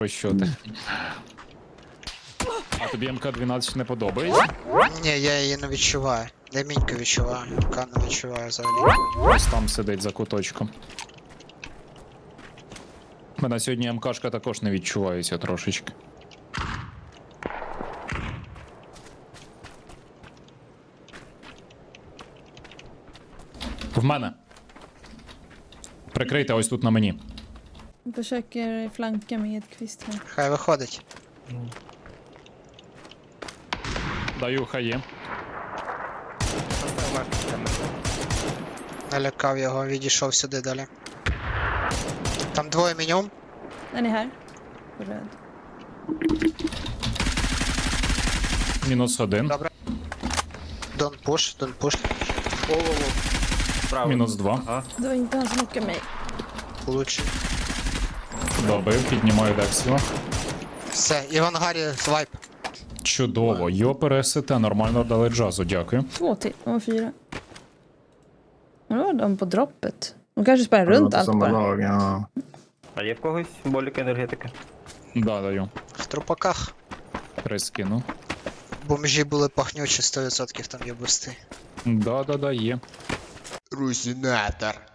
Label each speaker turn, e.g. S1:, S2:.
S1: Ось що ти. А тобі МК-12 не подобається?
S2: Ні, я її не відчуваю. Я міньку відчуваю, МК не відчуваю взагалі.
S1: Ось там сидить за куточком. Мене сьогодні МКшка також не відчувається трошечки. В мене. Прикрийте ось тут на мені.
S3: Försöker flanka med Edqvist här.
S2: Хай виходить.
S1: Даю хає.
S2: Налякав його, відійшов сюди далі. Там двоє мінімум.
S3: Den är här. På röd.
S1: Мінус один.
S2: Добре. Don't push.
S4: Право.
S1: Мінус два.
S4: Ага.
S3: Det var inte han som knockade mig.
S2: Получи.
S1: Добив, піднімаю Дексіла.
S2: Все, і в ангарі свайп.
S1: Чудово. Йопере СТ, нормально дали джазу, дякую.
S3: 2 till. De var 4. Och då var de på droppet. De kanske sprang runt allt
S5: Samma
S3: bara.
S5: lag, ja.
S4: А є в когось боліка енергетики?
S1: Да, даю.
S2: В трупаках.
S1: Прискину.
S2: Бомжі були пахнючі, 100% там є бусти.
S1: Да, є.
S2: Русінатор.